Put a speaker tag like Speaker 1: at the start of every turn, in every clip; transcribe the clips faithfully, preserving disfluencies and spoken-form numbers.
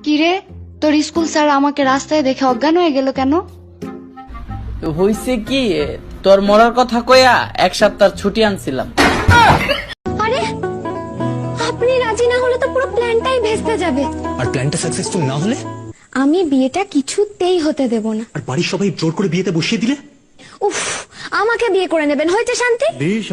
Speaker 1: কিরে তোর school sir আমাকে রাস্তায় দেখে অজ্ঞান হয়ে গেল কেন?
Speaker 2: হইছে কি, তোর মরার কথা কইয়া এক সপ্তাহ ছুটি আনছিলাম।
Speaker 3: আরে আপনি রাজি না হলে তো পুরো প্ল্যানটাই ভেস্তে যাবে।
Speaker 4: আর প্ল্যানটা সাকসেসফুল না হলে?
Speaker 3: আমি বিয়েটা কিছুতেই হতে দেব না।
Speaker 4: আর বাড়ির সবাই জোর করে বিয়েতে বসিয়ে দিলে?
Speaker 3: উফ, আমাকে বিয়ে করে নেবেন, হয়েছে শান্তি।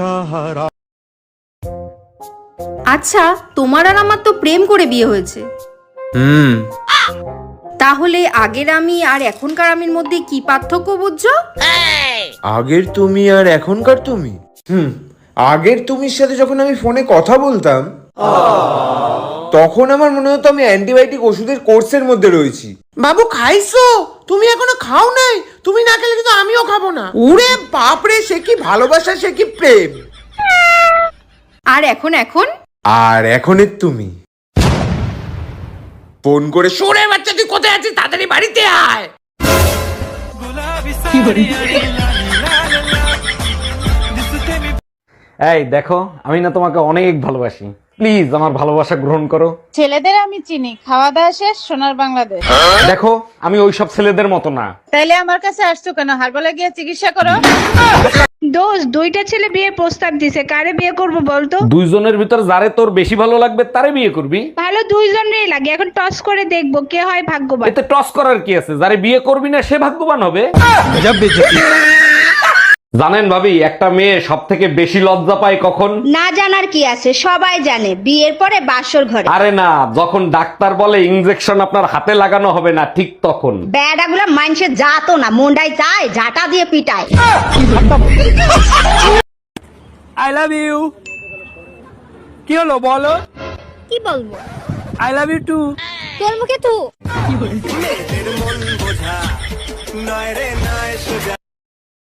Speaker 5: আচ্ছা, তোমার আর আমার তো প্রেম করে বিয়ে হয়েছে।
Speaker 6: হুম
Speaker 5: তাহলে আগের আমি আর এখনকার আমির মধ্যে কি পার্থক্য বুঝছো?
Speaker 6: আগের তুমি আর এখনকার তুমি? হুম আগের তুমির সাথে যখন আমি ফোনে কথা বলতাম তখন আমার মনে হতো আমি অ্যান্টিবায়োটিক ওষুধের কোর্সের মধ্যে রয়েছি। বাবু খাইছো? তুমি এখনো খাও নাই? তুমি না খেলে কিন্তু আমিও খাবো না। ওরে বাপরে, সে কি ভালোবাসা, সে কি প্রেম!
Speaker 5: আর এখন এখন
Speaker 6: আর এখনের তুমি ফোন করে, সোরে বাচ্চা তুই কোথায় আছিস, তাড়াতাড়ি বাড়িতে আয়।
Speaker 7: এই দেখো, আমি না তোমাকে অনেক ভালোবাসি, প্লিজ আমার ভালোবাসা গ্রহণ করো।
Speaker 8: ছেলেদের আমি চিনি, খাওয়া দাওয়া শেষ, সোনার বাংলাদেশ।
Speaker 7: দেখো, আমি ওইসব ছেলেদের মতো না।
Speaker 8: তাইলে আমার কাছে আসছো কেন? হারবালে গিয়ে চিকিৎসা করো।
Speaker 9: দোস্ত, দুইটা ছেলে বিয়ের প্রস্তাব দিছে, কারে বিয়ে করব বলতো?
Speaker 7: দুইজনের ভিতর যারে তোর বেশি ভালো লাগবে তারে বিয়ে করবি।
Speaker 9: ভালো দুইজনেরই লাগে, এখন টস করে দেখবো কে হয় ভাগ্যবান।
Speaker 7: এতে টস করার কি আছে? যারে বিয়ে করবি না সে ভাগ্যবান হবে। জানেন ভাবি, একটা মেয়ে সব থেকে বেশি লজ্জা পায় কখন?
Speaker 10: না জানার কি আছে, সবাই জানে, বিয়ের পরে বাসর ঘরে।
Speaker 7: আরে না, যখন ডাক্তার বলে ইনজেকশন আপনার হাতে লাগানো হবে না, ঠিক তখন।
Speaker 10: বেড়াগুলা মানুষে যাতো না, মুন্ডাই যায় ঝাঁটা দিয়ে পিটায়।
Speaker 2: I love you. কি হলো বলো?
Speaker 3: কি বলবো?
Speaker 2: I love you too.
Speaker 3: তোর মুখে তু।